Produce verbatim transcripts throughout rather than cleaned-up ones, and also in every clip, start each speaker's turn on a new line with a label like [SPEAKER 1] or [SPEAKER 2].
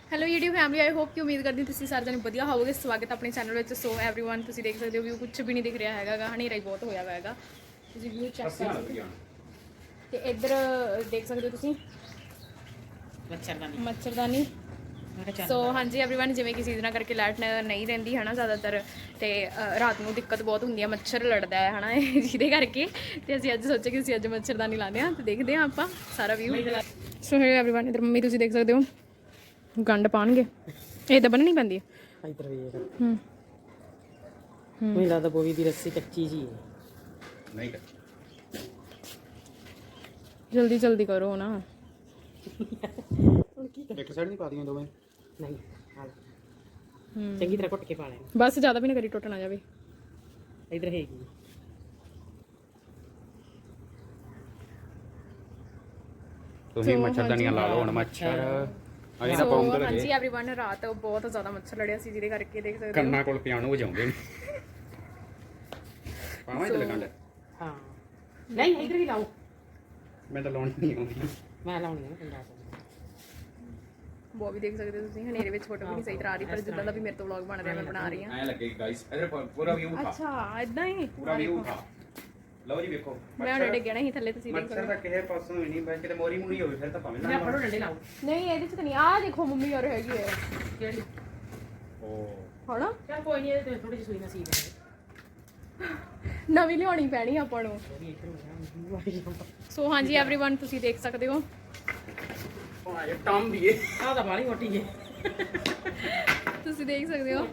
[SPEAKER 1] Hello YouTube family, I hope ਕਿ ਉਮੀਦ ਕਰਦੀ ਤੁਸੀਂ ਸਾਰੇ ਜਣੇ ਵਧੀਆ ਹੋਵੋਗੇ। ਸਵਾਗਤ ਆਪਣੇ ਚੈਨਲ ਵਿੱਚ। ਸੋ एवरीवन ਤੁਸੀਂ ਦੇਖ ਸਕਦੇ ਹੋ ਵੀ ਕੁਝ ਵੀ ਨਹੀਂ ਦਿਖ ਰਿਹਾ ਹੈਗਾ, ਹਨੇਰਾ ਹੀ ਬਹੁਤ ਹੋਇਆ ਹੋਇਆ ਹੈਗਾ। ਤੁਸੀਂ ਵੀਊ ਚੈੱਕ ਕਰ ਸਕਦੇ ਹੋ ਤੇ ਇੱਧਰ ਦੇਖ ਸਕਦੇ ਹੋ ਤੁਸੀਂ ਮੱਛਰਦਾਨੀ ਮੱਛਰਦਾਨੀ ਸੋ ਹਾਂਜੀ एवरीवन, ਜਿਵੇਂ ਕਿ ਸੀਜ਼ਨਾਂ ਕਰਕੇ ਲਾਈਟ ਨਹੀਂ ਰਹਿੰਦੀ ਹੈ ਨਾ ਜ਼ਿਆਦਾਤਰ, ਤੇ ਰਾਤ ਨੂੰ ਦਿੱਕਤ ਬਹੁਤ ਹੁੰਦੀ ਹੈ, ਮੱਛਰ ਲੜਦਾ ਹੈ ਹੈ ਨਾ ਜਿਹਦੇ ਕਰਕੇ। ਤੇ ਅਸੀਂ ਅੱਜ ਸੋਚਿਆ ਕਿ ਅਸੀਂ ਅੱਜ ਮੱਛਰਦਾਨੀ ਲਾਉਂਦੇ ਹਾਂ ਤੇ ਦੇਖਦੇ ਹਾਂ ਆਪਾਂ ਸਾਰਾ ਵਿਊ। ਸੋ एवरीवन ਇੱਧਰ ਮੰਮੀ ਤੁਸੀਂ ਦੇਖ ਸਕਦੇ ਹੋ ਗੰਢ ਪਾਣਗੇ, ਇਹ ਤਾਂ ਬੰਨਣੀ ਪੈਂਦੀ ਹੈ
[SPEAKER 2] ਇੱਧਰ ਵੇਖ।
[SPEAKER 1] ਹੂੰ
[SPEAKER 2] ਮੈਨੂੰ ਲੱਗਦਾ ਬੋਵੀ ਦੀ ਰੱਸੀ ਕੱਚੀ ਜੀ ਹੈ।
[SPEAKER 3] ਨਹੀਂ
[SPEAKER 1] ਜਲਦੀ ਜਲਦੀ ਕਰੋ ਨਾ।
[SPEAKER 3] ਇੱਕ ਸਾਈਡ ਨਹੀਂ ਪਾ ਦੀਆਂ ਦੋਵੇਂ।
[SPEAKER 2] ਨਹੀਂ ਚੰਗੀ ਤਰ੍ਹਾਂ ਘੁੱਟ ਕੇ ਪਾ ਲੈਣਾ,
[SPEAKER 1] ਬਸ ਜ਼ਿਆਦਾ ਵੀ ਨਾ ਕਰੀ ਟੁੱਟ ਨਾ ਜਾਵੇ।
[SPEAKER 2] ਇੱਧਰ ਹੈਗੀ
[SPEAKER 3] ਤੁਸੀਂ ਮੱਛਰਦਾਨੀਆਂ ਲਾ ਲਓ ਹੁਣ। ਮੱਛਰ ਅਜੇ ਤਾਂ ਪਾਉਂਦੇ ਲੱਗੇ
[SPEAKER 1] ਹਾਂਜੀ एवरीवन, ਰਾਤ ਬਹੁਤ ਜ਼ਿਆਦਾ ਮੱਛਰ ਲੜਿਆ ਸੀ ਜਿਹਦੇ ਕਰਕੇ ਦੇਖ ਸਕਦੇ ਹੋ
[SPEAKER 3] ਕੰਨਾਂ ਕੋਲ ਪਿਆਨੋ ਵਜਾਉਂਦੇ ਨੇ। ਪਾਵਾਂ ਇੱਥੇ ਲਗਾਂਡ।
[SPEAKER 2] ਹਾਂ ਨਹੀਂ ਇੱਧਰ ਵੀ ਲਾਓ।
[SPEAKER 3] ਮੈਂ ਤਾਂ ਲਾਉਣੀ ਨਹੀਂ ਆਉਂਦੀ।
[SPEAKER 2] ਮੈਂ ਲਾਉਣੀ ਹੈ ਪੰਜਾਹ ਸੌ।
[SPEAKER 1] ਉਹ ਵੀ ਦੇਖ ਸਕਦੇ ਹੋ ਤੁਸੀਂ, ਹਨੇਰੇ ਵਿੱਚ ਫੋਟੋ ਵੀ ਨਹੀਂ ਸਹੀ ਤਰ੍ਹਾਂ ਆ ਰਹੀ, ਪਰ ਜਿੱਦਾਂ ਦਾ ਵੀ ਮੇਰੇ ਤੋਂ ਵਲੌਗ ਬਣ ਰਿਹਾ ਮੈਂ ਬਣਾ ਰਹੀ ਹਾਂ।
[SPEAKER 3] ਐ ਲੱਗੇ ਗਾਇਸ, ਇਧਰ ਪੂਰਾ ਵਿਊ ਖਾ।
[SPEAKER 1] ਅੱਛਾ ਇਦਾਂ ਹੀ
[SPEAKER 3] ਪੂਰਾ ਵਿਊ ਖਾ ਲਓ ਜੀ, ਵੇਖੋ
[SPEAKER 1] ਮੈਂ ਹੁਣ ਡਿੱਗਿਆ ਨਹੀਂ ਥੱਲੇ, ਤੁਸੀਂ ਦੇਖ
[SPEAKER 3] ਮੱਛਰ
[SPEAKER 1] ਸਕਦੇ
[SPEAKER 3] ਤਾਂ ਕਿਸੇ ਪਾਸੋਂ ਵੀ ਨਹੀਂ, ਬਸ ਕਿਤੇ ਮੋਰੀ ਮੂਰੀ ਹੋਵੇ ਫਿਰ ਤਾਂ ਭਾਵੇਂ
[SPEAKER 2] ਮੈਂ
[SPEAKER 3] ਨਾ
[SPEAKER 2] ਫੜੋ ਡੰਡੇ ਲਾਓ।
[SPEAKER 1] ਨਹੀਂ ਇਹਦੇ ਚ ਤਾਂ ਨਹੀਂ। ਆਹ ਦੇਖੋ ਮੰਮੀ ਯਾਰ ਹੈਗੀ ਹੈ
[SPEAKER 2] ਕਿਹੜੀ
[SPEAKER 3] ਓ
[SPEAKER 1] ਹਣਾ,
[SPEAKER 2] ਚੱਲ ਕੋਈ ਨਹੀਂ, ਇਹਦੇ ਥੋੜੀ ਜਿਹੀ ਸੂਈ ਨਾ ਸੀ ਦੇ
[SPEAKER 1] ਨਵੀਂ ਲਿਆਉਣੀ ਪੈਣੀ ਆਪਾਂ ਨੂੰ। ਸੋ ਹਾਂਜੀ एवरीवन ਤੁਸੀਂ ਦੇਖ ਸਕਦੇ ਹੋ
[SPEAKER 3] ਆ ਇਹ ਟੰਮ ਦੀਏ।
[SPEAKER 2] ਆਹ ਤਾਂ ਬਾਲੀ ਮੋਟੀ ਹੈ,
[SPEAKER 1] ਤੁਸੀਂ ਦੇਖ ਸਕਦੇ ਹੋ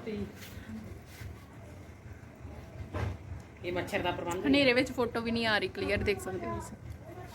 [SPEAKER 2] ਇਹ ਮੱਛਰ ਦਾ ਪ੍ਰਬੰਧ।
[SPEAKER 1] ਹਨੇਰੇ ਵਿੱਚ ਫੋਟੋ ਵੀ ਨਹੀਂ ਆ ਰਹੀ ਕਲੀਅਰ, ਦੇਖ ਸਕਦੇ ਹੋ ਤੁਸੀਂ।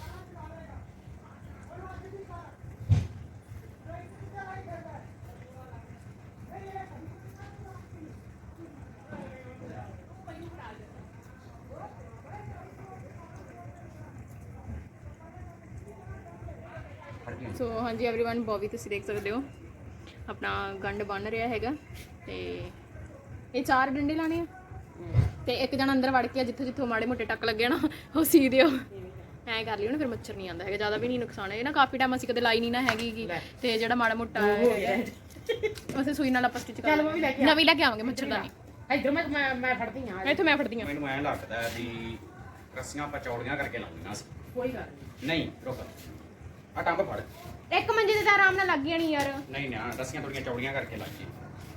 [SPEAKER 1] ਸੋ ਹਾਂਜੀ एवरीवन, ਬੋਬੀ ਤੁਸੀਂ ਦੇਖ ਸਕਦੇ ਹੋ ਆਪਣਾ ਗੰਢ ਬੰਨ ਰਿਹਾ ਹੈਗਾ, ਤੇ ਇਹ ਚਾਰ ਡੰਡੇ ਲਾਣੇ ਆ ਤੇ ਇੱਕ ਜਣਾ ਅੰਦਰ ਵੜ ਕੇ ਜਿੱਥੋਂ ਜਿੱਥੋਂ ਮਾੜੇ ਮੋਟੇ ਟੱਕ ਲੱਗੇ ਨਾ ਉਹ ਸੀ ਦਿਓ। ਐਂ ਕਰ ਲਿਓ ਨਾ, ਫਿਰ ਮੱਛਰ ਨਹੀਂ ਆਉਂਦਾ ਹੈਗਾ, ਜ਼ਿਆਦਾ ਵੀ ਨਹੀਂ ਨੁਕਸਾਨ ਹੈ। ਇਹ ਨਾ ਕਾਫੀ ਟਾਈਮ ਅਸੀਂ ਕਦੇ ਲਾਈ ਨਹੀਂ ਨਾ ਹੈਗੀ ਗੀ, ਤੇ ਜਿਹੜਾ ਮਾੜਾ ਮੋਟਾ ਉਸੇ ਸੂਈ ਨਾਲ ਆਪਾਂ ਸਟਿਚ ਕਰ ਲਾਂਗੇ। ਨਵੀਂ ਲੈ ਕੇ ਆਵਾਂਗੇ ਮੱਛਰਦਾਨੀ।
[SPEAKER 2] ਇੱਧਰ ਮੈਂ ਮੈਂ ਮੈਂ ਫੜਦੀ ਹਾਂ।
[SPEAKER 1] ਇੱਥੇ ਮੈਂ ਫੜਦੀ ਹਾਂ।
[SPEAKER 3] ਮੈਨੂੰ ਐਂ ਲੱਗਦਾ ਵੀ ਰੱਸੀਆਂ ਆਪਾਂ ਚੌੜੀਆਂ ਕਰਕੇ ਲਾਉਣੀਆਂ ਸੀ।
[SPEAKER 2] ਕੋਈ ਗੱਲ
[SPEAKER 3] ਨਹੀਂ ਰੁਕ, ਆ ਟੰਬ ਫੜ।
[SPEAKER 1] ਇੱਕ ਮੰਜੇ ਤੇ ਤਾਂ ਆਰਾਮ ਨਾਲ ਲੱਗ ਜਾਣੀ ਯਾਰ।
[SPEAKER 3] ਨਹੀਂ ਨਾ, ਰੱਸੀਆਂ ਥੋੜੀਆਂ ਚੌੜੀਆਂ ਕਰਕੇ ਲੱਗ ਗਈਆਂ।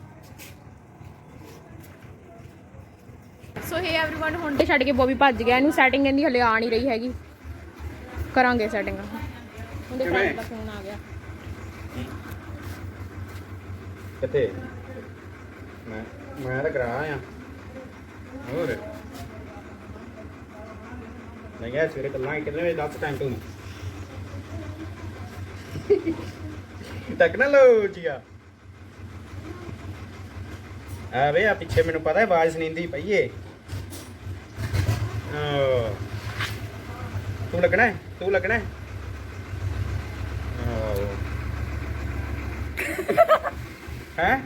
[SPEAKER 1] ਸੋ ਹੇ एवरीवन, ਹੁਣ ਤੇ ਛੱਡ ਕੇ ਬੋਬੀ ਭੱਜ ਗਿਆ, ਇਹਨੂੰ ਸੈਟਿੰਗ ਇਹਦੀ ਹਲੇ ਆ ਨਹੀਂ ਰਹੀ ਹੈਗੀ, ਕਰਾਂਗੇ ਸੈਟਿੰਗ। ਉਹਦੇ ਫਰੈਂਡ ਦਾ ਫੋਨ ਆ ਗਿਆ।
[SPEAKER 3] ਕਿੱਥੇ? ਮੈਂ ਮੈਂ ਤਾਂ ਕਰਾ ਆ ਹੋਰ ਨਹੀਂ ਗਿਆ ਸਵੇਰੇ ਕੱਲਾਂ ਕਿੰਨੇ ਵਜੇ ਦੱਸ ਟਾਈਮ ਤੂੰ ਟੈਕਨੋਲੋਜੀ ਆ ਆ ਵੇ ਆ ਪਿੱਛੇ ਮੈਨੂੰ ਪਤਾ ਹੈ ਆਵਾਜ਼ ਸੁਣੀਂਦੀ ਪਈ ਏ। ਓ ਤੂੰ ਲੱਗਣਾ ਹੈ, ਤੂੰ ਲੱਗਣਾ ਹੈ। ਓ ਹੈ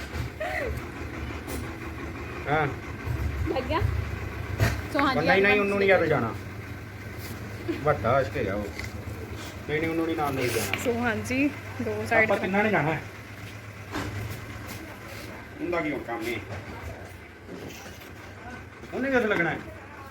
[SPEAKER 3] ਹਾਂ
[SPEAKER 1] ਲੱਗ ਗਿਆ। ਸੋ ਹਾਂਜੀ
[SPEAKER 3] ਨਹੀਂ ਨਹੀਂ ਉਹਨੂੰ ਨਹੀਂ ਯਾਦ ਜਾਣਾ, ਵੱਡਾ ਅਸ਼ਕੇ ਜਾਓ। ਨਹੀਂ ਨਹੀਂ ਉਹਨੂੰ ਨਹੀਂ ਨਾਲ ਨਹੀਂ ਜਾਣਾ।
[SPEAKER 1] ਸੋ ਹਾਂਜੀ ਦੋ ਸਾਈਡ
[SPEAKER 3] ਆਪਾਂ ਕਿੰਨਾ ਨੇ ਜਾਣਾ ਹੈ, ਉਹਦਾ ਕੀ ਹੁਣ ਕੰਮ ਨਹੀਂ, ਉਹਨੇ ਕਿੱਥੇ ਲੱਗਣਾ ਹੈ।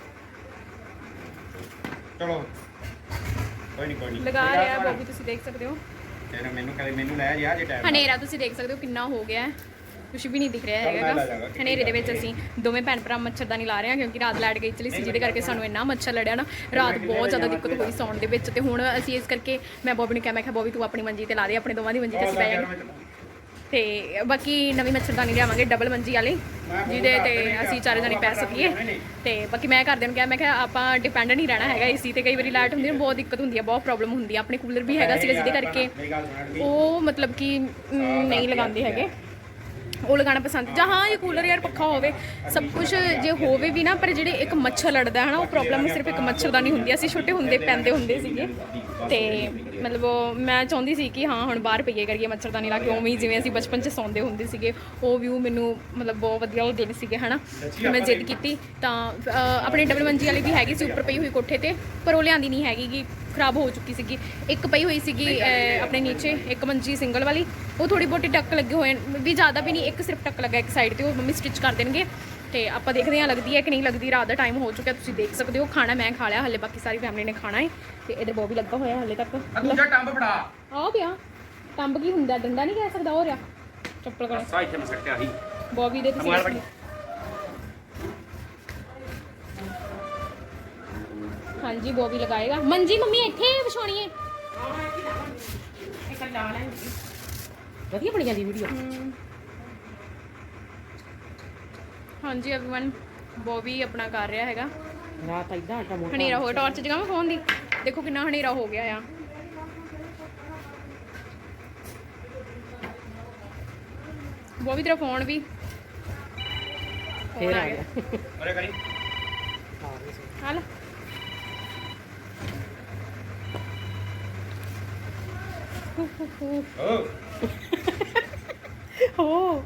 [SPEAKER 3] ਚਲੋ ਕੋਈ ਨਹੀਂ ਕੋਈ ਨਹੀਂ
[SPEAKER 1] ਲਗਾ ਰਿਹਾ ਬੋਬੀ, ਤੁਸੀਂ ਦੇਖ ਸਕਦੇ ਹੋ।
[SPEAKER 3] ਤੇਰੇ ਮੈਨੂੰ ਕਦੇ ਮੈਨੂੰ ਲੈ ਜਾ ਜੇ ਟਾਈਮ
[SPEAKER 1] ਹਨੇਰਾ ਤੁਸੀਂ ਦੇਖ ਸਕਦੇ ਹੋ ਕਿੰਨਾ ਹੋ ਗਿਆ, ਕੁਝ ਵੀ ਨਹੀਂ ਦਿਖ ਰਿਹਾ ਹੈਗਾ। ਹਨੇਰੇ ਦੇ ਵਿੱਚ ਅਸੀਂ ਦੋਵੇਂ ਭੈਣ ਭਰਾ ਮੱਛਰਦਾਨੀ ਲਾ ਰਹੇ ਹਾਂ, ਕਿਉਂਕਿ ਰਾਤ ਲਾਈਟ ਗਈ ਚਲੀ ਸੀ, ਜਿਹਦੇ ਕਰਕੇ ਸਾਨੂੰ ਇੰਨਾ ਮੱਛਰ ਲੜਿਆ ਨਾ, ਰਾਤ ਬਹੁਤ ਜ਼ਿਆਦਾ ਦਿੱਕਤ ਹੋਈ ਸੌਣ ਦੇ ਵਿੱਚ। ਤੇ ਹੁਣ ਅਸੀਂ ਇਸ ਕਰਕੇ ਮੈਂ ਬੋਬੀ ਨੂੰ ਕਿਹਾ, ਮੈਂ ਕਿਹਾ ਬੋਬੀ ਤੂੰ ਆਪਣੀ ਮੰਜੀ ਤੇ ਲਾ ਦੇ, ਆਪਣੇ ਦੋਵਾਂ ਦੀ ਮੰਜੀ ਤੇ ਅਸੀਂ ਪੈ ਜਾਵਾਂਗੇ। ਤੇ ਬਾਕੀ ਨਵੀਂ ਮੱਛਰਦਾਨੀ ਲਿਆਵਾਂਗੇ ਡਬਲ ਮੰਜੀ ਵਾਲੀ, ਜਿਹਦੇ ਤੇ ਅਸੀਂ ਚਾਰੇ ਜਣੇ ਪੈ ਸਕੀਏ। ਤੇ ਬਾਕੀ ਮੈਂ ਘਰਦਿਆਂ ਨੂੰ ਕਿਹਾ, ਮੈਂ ਕਿਹਾ ਆਪਾਂ ਡਿਪੈਂਡ ਨਹੀਂ ਰਹਿਣਾ ਹੈਗਾ ਏਸੀ ਤੇ। ਕਈ ਵਾਰੀ ਲਾਈਟ ਹੁੰਦੀ ਹੈ, ਬਹੁਤ ਦਿੱਕਤ ਹੁੰਦੀ ਹੈ, ਬਹੁਤ ਪ੍ਰੋਬਲਮ ਹੁੰਦੀ ਹੈ। ਆਪਣੇ ਕੂਲਰ ਵੀ ਹੈਗਾ ਸੀਗਾ, ਜਿਹਦੇ ਕਰਕੇ ਉਹ ਮਤਲਬ ਕਿ ਨਹੀਂ ਲਗਾਉਂਦੇ ਹੈਗੇ, ਉਹ ਲਗਾਉਣਾ ਪਸੰਦ। ਜਾਂ ਹਾਂ ਇਹ ਕੂਲਰ ਯਾਰ ਪੱਖਾ ਹੋਵੇ ਸਭ ਕੁਝ ਜੇ ਹੋਵੇ ਵੀ ਨਾ, ਪਰ ਜਿਹੜੇ ਇੱਕ ਮੱਛਰ ਲੜਦਾ ਹੈ ਨਾ, ਉਹ ਪ੍ਰੋਬਲਮ ਸਿਰਫ ਇੱਕ ਮੱਛਰਦਾਨੀ ਹੁੰਦੀ ਹੈ। ਅਸੀਂ ਛੋਟੇ ਹੁੰਦੇ ਪੈਂਦੇ ਹੁੰਦੇ ਸੀਗੇ, ਤੇ ਮਤਲਬ ਮੈਂ ਚਾਹੁੰਦੀ ਸੀ ਕਿ ਹਾਂ ਹੁਣ ਬਾਹਰ ਪਈਏ ਕਰੀਏ ਮੱਛਰਦਾਨੀ ਲਾ ਕੇ, ਉਵੇਂ ਹੀ ਜਿਵੇਂ ਅਸੀਂ ਬਚਪਨ 'ਚ ਸੌਂਦੇ ਹੁੰਦੇ ਸੀਗੇ। ਉਹ ਵਿਊ ਮੈਨੂੰ ਮਤਲਬ ਬਹੁਤ ਵਧੀਆ ਉਹ ਦਿਨ ਸੀਗੇ ਹੈ ਨਾ। ਮੈਂ ਜਿੱਦ ਕੀਤੀ ਤਾਂ ਆਪਣੇ ਡਬਲ ਮੰਜੀ ਵਾਲੀ ਵੀ ਹੈਗੀ ਸੀ ਉੱਪਰ ਪਈ ਹੋਈ ਕੋਠੇ 'ਤੇ, ਪਰ ਉਹ ਲਿਆਂਦੀ ਨਹੀਂ ਹੈਗੀ ਗੀ ਖਰਾਬ ਹੋ ਚੁੱਕੀ ਸੀਗੀ। ਇੱਕ ਪਈ ਹੋਈ ਸੀਗੀ ਅਹ, ਆਪਣੇ ਨੀਚੇ ਇੱਕ ਮੰਜੀ ਸਿੰਗਲ ਵਾਲੀ, ਉਹ ਥੋੜੀ ਬਹੁਤੀ ਟੱਕ ਲੱਗੇ ਹੋਏ ਵੀ, ਜ਼ਿਆਦਾ ਵੀ ਨਹੀਂ, ਇੱਕ ਸਿਰਫ ਟੱਕ ਲੱਗਾ ਇੱਕ ਸਾਈਡ ਤੇ, ਉਹ ਮੰਮੀ ਸਟਿਚ ਕਰ ਦੇਣਗੇ। ਤੇ ਆਪਾਂ ਦੇਖਦੇ ਹਾਂ ਲੱਗਦੀ ਹੈ ਕਿ ਨਹੀਂ ਲੱਗਦੀ। ਰਾਤ ਦਾ ਟਾਈਮ ਹੋ ਚੁੱਕਿਆ, ਤੁਸੀਂ ਦੇਖ ਸਕਦੇ ਹੋ। ਖਾਣਾ ਮੈਂ ਖਾ ਲਿਆ, ਹਲੇ ਬਾਕੀ ਸਾਰੀ ਫੈਮਿਲੀ ਨੇ ਖਾਣਾ ਹੈ। ਤੇ ਇਧਰ ਬੋਬੀ ਲੱਗਾ ਹੋਇਆ ਹਲੇ ਤੱਕ।
[SPEAKER 3] ਦੂਜਾ ਟੰਬ ਫੜਾ
[SPEAKER 1] ਆਹ ਪਿਆ ਟੰਬ ਕੀ ਹੁੰਦਾ, ਡੰਡਾ ਨਹੀਂ ਕਹਿ ਸਕਦਾ, ਹੋ ਰਿਹਾ ਚੱਪਲ ਕਰ
[SPEAKER 3] ਸਾਈ ਤੇ ਮੈਂ ਸੱਟਿਆ ਸੀ
[SPEAKER 1] ਬੋਬੀ ਦੇ ਤੁਸੀਂ
[SPEAKER 3] ਮੋਬਾਈਲ
[SPEAKER 1] ਹਾਂਜੀ ਬੋਬੀ ਲਗਾਏਗਾ। ਮੰਜੀ ਮੰਮੀ ਇੱਥੇ ਵਿਛਾਉਣੀ ਹੈ।
[SPEAKER 2] ਇੱਕ ਲਾ ਲੈ ਵਧੀਆ ਬਣੀ ਜਾਂਦੀ ਵੀਡੀਓ।
[SPEAKER 1] ਹਾਂਜੀ एवरीवन ਬੋਬੀ ਆਪਣਾ ਕਰ ਰਿਹਾ ਹੈਗਾ।
[SPEAKER 2] ਰਾਤ ਇਦਾਂ ਆਟਾ ਮੋਟਾ
[SPEAKER 1] ਹਨੇਰਾ ਹੋ ਟਾਰਚ ਜਗਾਵਾਂ ਫੋਨ ਦੀ, ਦੇਖੋ ਕਿੰਨਾ ਹਨੇਰਾ ਹੋ ਗਿਆ ਆ। ਬੋਬੀ ਤੇਰਾ ਫੋਨ ਵੀ
[SPEAKER 2] ਫੇਰ ਆ ਗਿਆ।
[SPEAKER 3] ਅਰੇ ਕਰੀ
[SPEAKER 1] ਹਾਲ
[SPEAKER 3] ਓ
[SPEAKER 2] ਹੋ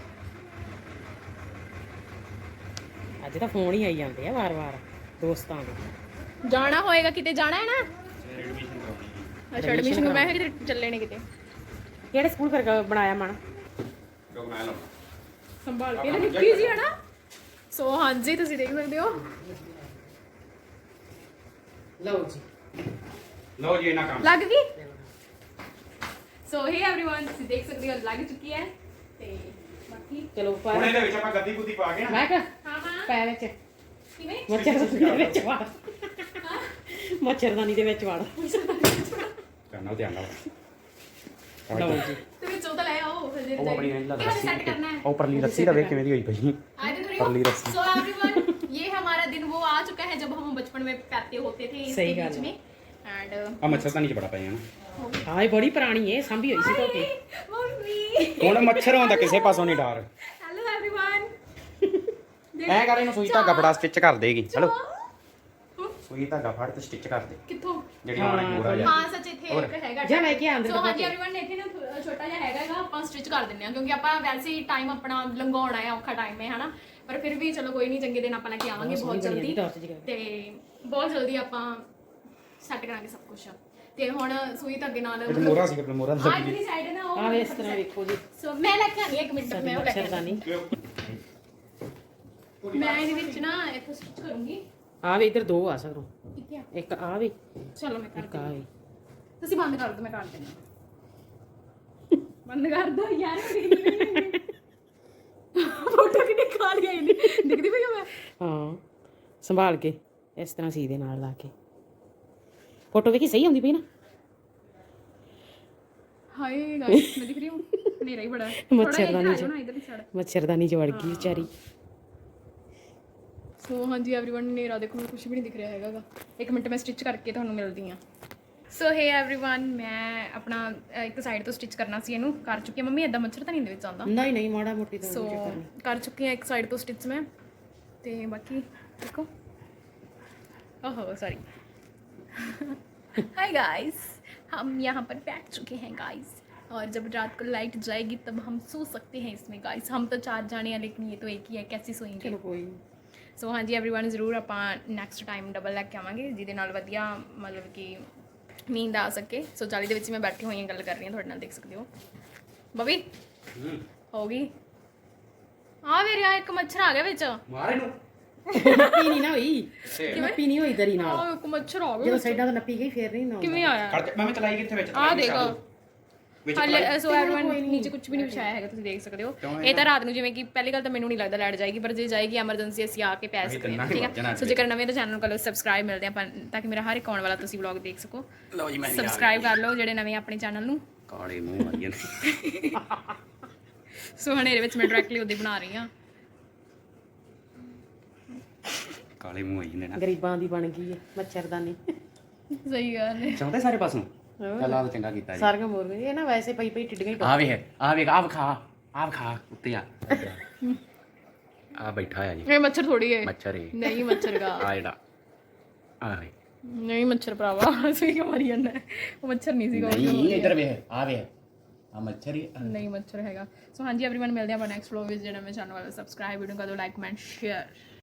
[SPEAKER 2] ਅੱਜ ਤਾਂ ਫੋਨ ਹੀ ਆਈ ਜਾਂਦੇ ਆ ਵਾਰ-ਵਾਰ ਦੋਸਤਾਂ ਦੇ।
[SPEAKER 1] ਜਾਣਾ ਹੋਏਗਾ ਕਿਤੇ, ਜਾਣਾ ਹੈ ਨਾ?
[SPEAKER 3] ਐਡਮਿਸ਼ਨ ਕਰਾਉਣੀ
[SPEAKER 1] ਅੱਛਾ ਐਡਮਿਸ਼ਨ ਮੈਂ ਕਿਤੇ ਚੱਲੇ ਨੇ ਕਿਤੇ।
[SPEAKER 2] ਕਿਹੜੇ ਸਕੂਲ ਫਿਰ ਬਣਾਇਆ ਮਨ?
[SPEAKER 3] ਜੋ ਬਣਾ ਲਓ
[SPEAKER 1] ਸੰਭਾਲ ਕੇ ਨਿੱਕੀ ਜੀ ਹੈ ਨਾ। ਸੋ ਹਾਂਜੀ ਤੁਸੀਂ ਦੇਖ ਸਕਦੇ ਹੋ।
[SPEAKER 2] ਲਓ ਜੀ
[SPEAKER 3] ਲਓ ਜੀ ਇਹਨਾਂ ਕੰਮ
[SPEAKER 1] ਲੱਗ ਗਈ। ਸੋ ਹੇ एवरीवन ਤੁਸੀਂ ਦੇਖ ਸਕਦੇ ਹੋ ਲੱਗ ਚੁੱਕੀ ਹੈ। ਤੇ ਬਾਕੀ
[SPEAKER 2] ਚਲੋ ਪਾ
[SPEAKER 3] ਹੁਣ ਇਹਦੇ ਵਿੱਚ ਆਪਾਂ ਗੱਦੀ ਗੁੱਦੀ ਪਾ ਕੇ ਨਾ
[SPEAKER 2] ਮੈਂ ਕਿਹਾ
[SPEAKER 1] ਹਾਂ ਹਾਂ
[SPEAKER 2] ਪੈ ਵਿੱਚ
[SPEAKER 1] ਕਿਵੇਂ
[SPEAKER 2] ਮੱਛਰਦਾਨੀ ਦੇ ਵਿੱਚ ਵੜ ਮੱਛਰਦਾਨੀ ਦੇ ਵਿੱਚ ਵੜ।
[SPEAKER 3] ਕਰਨਾ ਧਿਆਨ ਨਾਲ
[SPEAKER 2] ਲਓ ਜੀ
[SPEAKER 1] ਤੇ ਵਿੱਚ ਉਹ ਤਾਂ ਲੈ ਆਓ ਫਿਰ ਦੇ
[SPEAKER 3] ਉਹ ਆਪਣੀ ਨਹੀਂ ਲੱਗਦਾ
[SPEAKER 1] ਕਿਵੇਂ ਸੈੱਟ ਕਰਨਾ है।
[SPEAKER 3] ਉਹ ਪਰਲੀ ਰੱਸੀ ਦਾ ਵੇਖ ਕਿਵੇਂ ਦੀ ਹੋਈ ਪਈ
[SPEAKER 1] आज देख रही
[SPEAKER 3] परली
[SPEAKER 1] हो।
[SPEAKER 3] रस्सी।
[SPEAKER 1] So everyone ये हमारा दिन वो आ चुका है जब हम बचपन में पैते होते थे इसके
[SPEAKER 2] सही
[SPEAKER 1] बीच
[SPEAKER 2] गल
[SPEAKER 1] में एंड
[SPEAKER 3] ਆ ਮੱਛਰਦਾਨੀ ਚ ਬੜਾ ਪਏ ਹਨ
[SPEAKER 2] ਹਾਂ ਇਹ ਬੜੀ ਪੁਰਾਣੀ ਏ, ਸਾਂਭੀ ਹੋਈ ਸੀ ਧੋਤੀ।
[SPEAKER 1] मम्मी
[SPEAKER 3] ਹੁਣ ਮੱਛਰ ਹੁੰਦਾ ਕਿਸੇ ਪਾਸੋਂ ਨਹੀਂ ਡਰ।
[SPEAKER 1] हेलो एवरीवन
[SPEAKER 3] ਐ ਕਰ ਇਹਨੂੰ ਸੂਈ ਧਾਗਾ ਬੜਾ ਸਟਿਚ ਕਰ ਦੇਗੀ। ਚਲੋ ਸੂਈ ਧਾਗਾ ਫੜ ਤੇ ਸਟਿਚ ਕਰ ਦੇ
[SPEAKER 1] ਕਿੱਥੋਂ
[SPEAKER 3] ਜਿਹੜੀ ਮਾੜਾ ਗੋਰਾ ਜਿਹਾ
[SPEAKER 1] ਹਾਂ ਸੱਚ ਇੱਥੇ ਇੱਕ ਹੈਗਾ
[SPEAKER 2] ਜਾ ਲੈ ਕੇ ਆ ਅੰਦਰ
[SPEAKER 1] ਸੋ
[SPEAKER 2] ਦਬਾ
[SPEAKER 1] ਹਾਂਜੀ
[SPEAKER 2] ਕੇ।
[SPEAKER 1] एवरीवन ਇੱਥੇ ਨਾ ਥੋ- ਛੋਟਾ ਜਿਹਾ ਹੈਗਾ ਹੈਗਾ ਆਪਾਂ ਸਟਿਚ ਕਰ ਦਿੰਨੇ ਆ ਕਿਉਂਕਿ ਆਪਾਂ ਵੈਸੇ ਹੀ ਟਾਈਮ ਆਪਣਾ ਲੰਘਾਉਣਾ ਹੈ, ਔਖਾ ਟਾਈਮ ਹੈ ਹਨਾ। ਪਰ ਫਿਰ ਵੀ ਚਲੋ ਕੋਈ ਨਹੀਂ, ਚੰਗੇ ਦਿਨ ਆਪਾਂ ਲੈ ਕੇ ਆਵਾਂਗੇ ਬਹੁਤ ਜਲਦੀ ਤੇ ਬਹੁਤ ਜਲਦੀ ਆਪਾਂ ਸੈੱਟ ਕਰਾਂਗੇ ਸਭ ਕੁਝ। ਤੇ ਹੁਣ ਸੂਈ ਧਾਗੇ ਨਾਲ
[SPEAKER 3] ਇਹ ਮੋਰਾ ਸੀ ਆਪਣਾ ਮੋਰਾ
[SPEAKER 1] ਆਹ ਇਧਰਲੀ ਸਾਈਡ ਹੈ ਨਾ ਉਹ
[SPEAKER 2] ਆ ਵੇ ਇਸ ਤਰ੍ਹਾਂ ਵੇਖੋ ਜੀ
[SPEAKER 1] ਸੋ ਮੈਂ ਲੈ ਕੇ ਆਣੀ ਇੱਕ ਮਿੰਟ ਮੈਂ ਉਹ ਲੈ ਕੇ ਆਉਂਦੀ
[SPEAKER 2] ਮੱਛਰਦਾਨੀ।
[SPEAKER 1] ਹਾਂ। ਮੈਂ ਇਹਦੇ ਵਿੱਚ ਨਾ ਇੱਥੇ ਸਟਿਚ ਕਰੂੰਗੀ।
[SPEAKER 2] ਆ ਵੇ ਇਧਰ ਦੋ ਆ ਸਕਰੋਂ,
[SPEAKER 1] ਕਿੱਥੇ ਆ
[SPEAKER 2] ਇੱਕ ਆ ਵੇ
[SPEAKER 1] ਚਲੋ ਮੈਂ ਕਰ
[SPEAKER 2] ਇੱਕ ਆ ਵੇ।
[SPEAKER 1] ਤੁਸੀਂ ਬੰਦ ਕਰ ਦਿਓ ਮੈਂ ਕਰ ਦਿੰਦੀ ਬੰਦ ਕਰ ਦੋ ਯਾਰ ਫੋਟੋ ਕਿਨੇ ਖਾ ਲਿਆ ਇਹਨੇ ਦਿਖਦੀ ਪਈ ਮੈਂ
[SPEAKER 2] ਹਾਂ ਸੰਭਾਲ ਕੇ ਇਸ ਤਰ੍ਹਾਂ ਸੀ ਦੇ ਨਾਲ ਲਾ ਕੇ ਫੋਟੋ ਵੇਖੀ ਸਹੀ ਆਉਂਦੀ ਪਈ ਨਾ।
[SPEAKER 1] ਹਾਏ ਗਾਇਸ ਮੈਂ ਦਿਖ ਰਹੀ ਹੂੰ ਹਨੇਰਾ ਹੀ ਬੜਾ ਹੈ।
[SPEAKER 2] ਮੱਛਰਦਾਨੀ ਚ
[SPEAKER 1] ਨਾ ਇਧਰ ਹੀ ਸਾਈਡ।
[SPEAKER 2] ਮੱਛਰਦਾਨੀ ਚ ਵੜ ਗਈ ਵਿਚਾਰੀ।
[SPEAKER 1] ਸੋ ਹਾਂਜੀ एवरीवन ਹਨੇਰਾ ਦੇਖੋ ਮੈਨੂੰ ਕੁਝ ਵੀ ਨਹੀਂ ਦਿਖ ਰਿਹਾ ਹੈਗਾ ਗਾ। ਇੱਕ ਮਿੰਟ ਮੈਂ ਸਟਿਚ ਕਰਕੇ ਤੁਹਾਨੂੰ ਮਿਲਦੀ ਹਾਂ। ਸੋ ਹੇ एवरीवन ਮੈਂ ਆਪਣਾ ਅ, ਇੱਕ ਸਾਈਡ ਤੋਂ ਸਟਿਚ ਕਰਨਾ ਸੀ, ਇਹਨੂੰ ਕਰ ਚੁੱਕੀ ਹਾਂ। ਮੰਮੀ ਏਦਾਂ ਮੱਛਰ ਤਾਂ ਨਹੀਂ ਦੇ ਵਿੱਚ ਆਉਂਦਾ?
[SPEAKER 2] ਨਹੀਂ ਨਹੀਂ ਮਾੜਾ ਮੋਟੀ ਤਾਂ
[SPEAKER 1] ਸੋ ਕਰ ਚੁੱਕੀ ਹਾਂ ਇੱਕ ਸਾइड तो स्टिच में। तो बाकी देखो ओहो सॉरी हाय गाइस हम यहाँ पर बैठ चुके हैं गाइस और जब रात को लाइट जाएगी तब हम सो सकते हैं इसमें गाइस। हम तो चार जाने हैं लेकिन ये तो एक ही है, कैसे सोएंगे।
[SPEAKER 2] ਚਲੋ ਕੋਈ
[SPEAKER 1] ਸੋ ਹਾਂਜੀ एवरीवन ਜ਼ਰੂਰ ਆਪਾਂ ਨੈਕਸਟ ਟਾਈਮ ਡਬਲ ਲੈ ਕੇ ਆਵਾਂਗੇ ਜਿਹਦੇ ਨਾਲ ਵਧੀਆ ਮਤਲਬ ਕਿ ਨੀਂਦ ਆ ਸਕੇ। ਸੋ ਚਾਲੀ ਦੇ ਵਿੱਚ ਮੈਂ ਬੈਠੀ ਹੋਈ ਹਾਂ ਗੱਲ ਕਰ ਰਹੀ ਹਾਂ ਤੁਹਾਡੇ ਨਾਲ, ਦੇਖ ਸਕਦੇ ਹੋ। ਬਬੀ ਹੋ ਗਈ ਆ ਵੇ ਰਿਆ ਇੱਕ ਮੱਛਰ ਆ ਗਿਆ ਵਿੱਚ।
[SPEAKER 3] ਮਾਰੇ ਨੂੰ
[SPEAKER 2] ਨੱਪੀ ਨਹੀਂ ਨਾ ਹੋਈ, ਨੱਪੀ ਨਹੀਂ ਹੋਈ ਦਰੀ ਨਾਲ।
[SPEAKER 1] ਆ ਇੱਕ ਮੱਛਰ ਆ ਗਿਆ
[SPEAKER 2] ਜਦੋਂ ਸਾਈਡਾਂ ਤੋਂ ਨੱਪੀ ਗਈ ਫੇਰ ਨਹੀਂ ਨਾ
[SPEAKER 1] ਕਿਵੇਂ ਆਇਆ
[SPEAKER 3] ਖੜ ਜਾ ਮੈਂ ਚਲਾਈ ਕਿੱਥੇ ਵਿੱਚ
[SPEAKER 1] ਆ ਦੇਖ
[SPEAKER 3] ਵਿੱਚ
[SPEAKER 1] ਹਾਲੇ ਸੋ एवरीवन ਨੀਚੇ ਕੁਝ ਵੀ ਨਹੀਂ ਵਿਛਾਇਆ ਹੈਗਾ, ਤੁਸੀਂ ਦੇਖ ਸਕਦੇ ਹੋ। ਇਹ ਤਾਂ ਰਾਤ ਨੂੰ ਜਿਵੇਂ ਕਿ ਪਹਿਲੀ ਗੱਲ ਤਾਂ ਮੈਨੂੰ ਨਹੀਂ ਲੱਗਦਾ ਲਾਈਟ ਜਾਏਗੀ, ਪਰ ਜੇ ਜਾਏਗੀ ਐਮਰਜੈਂਸੀ ਅਸੀਂ ਆ ਕੇ ਪੈ ਸਕਦੇ ਹਾਂ, ਠੀਕ ਹੈ। ਸੋ ਜੇਕਰ ਨਵੇਂ ਤਾਂ ਚੈਨਲ ਨੂੰ ਕਰ ਲਓ ਸਬਸਕ੍ਰਾਈਬ, ਮਿਲਦੇ ਆਪਾਂ ਤਾਂ ਕਿ ਮੇਰਾ ਹਰ ਇੱਕ ਆਉਣ ਵਾਲਾ ਤੁਸੀਂ ਵਲੌਗ ਦੇਖ ਸਕੋ।
[SPEAKER 3] ਲਓ ਜੀ ਮੈਂ
[SPEAKER 1] ਸਬਸਕ੍ਰਾਈਬ ਕਰ ਲਓ ਜਿਹੜੇ ਨਵੇਂ ਆਪਣੇ ਚੈਨਲ ਨੂੰ।
[SPEAKER 3] ਕਾਲੇ ਮੂੰਹ ਆਈ ਜਾਂਦੇ
[SPEAKER 1] ਸੋ ਹਨੇਰੇ ਵਿੱਚ ਮੈਂ ਡਾਇਰੈਕਟਲੀ ਉਹਦੀ ਬਣਾ ਰਹੀ ਹਾਂ।
[SPEAKER 3] ਕਾਲੇ ਮੂੰਹ ਆਈ ਜਾਂਦੇ ਨਾ
[SPEAKER 2] ਗਰੀਬਾਂ ਦੀ ਬਣ ਗਈ ਹੈ ਮੱਛਰਦਾਨੀ।
[SPEAKER 1] ਸਹੀ ਗੱਲ ਹੈ।
[SPEAKER 3] ਚਾਹੁੰਦੇ ਸਾਰੇ ਪਾਸੋਂ ਚੱਲ ਆ ਚੰਗਾ ਕੀਤਾ ਜੀ।
[SPEAKER 2] ਸਾਰੀਆਂ ਮੋਰ ਗਈ ਇਹ ਨਾ ਵੈਸੇ ਪਈ ਪਈ ਟਿੱਡੀਆਂ ਹੀ
[SPEAKER 3] ਆ ਵੇ ਆ ਵੇ ਆ ਖਾ ਆ ਖਾ ਉੱਤੇ ਆ ਆ ਬੈਠਾ ਆ ਜੀ
[SPEAKER 1] ਇਹ ਮੱਛਰ ਥੋੜੀ ਹੈ,
[SPEAKER 3] ਮੱਛਰ ਹੈ
[SPEAKER 1] ਨਹੀਂ ਮੱਛਰ ਦਾ
[SPEAKER 3] ਆ ਜਿਹੜਾ ਆ ਵੇ
[SPEAKER 1] ਨਹੀਂ ਮੱਛਰ ਭਰਾਵਾ ਅਸੀਂ ਕਿਉਂ ਮਾਰੀ ਜਾਂਦਾ, ਉਹ ਮੱਛਰ ਨਹੀਂ ਸੀਗਾ।
[SPEAKER 3] ਨਹੀਂ ਇੱਧਰ ਵੇ ਆ ਵੇ ਆ ਮੱਛਰ ਹੀ
[SPEAKER 1] ਨਹੀਂ ਮੱਛਰ ਹੈਗਾ। ਸੋ ਹਾਂਜੀ एवरीवन ਮਿਲਦੇ ਆਪਾਂ ਨੈਕਸਟ ਵਲੌਗ ਵਿੱਚ। ਜਿਹੜਾ ਮੈਂ ਚੈਨਲ ਵਾਲਾ ਸਬਸਕ੍ਰਾਈਬ ਵੀਡੀਓ ਕਰ ਦਿਓ, ਲਾਈਕ ਕਮੈਂਟ ਸ਼ੇਅਰ।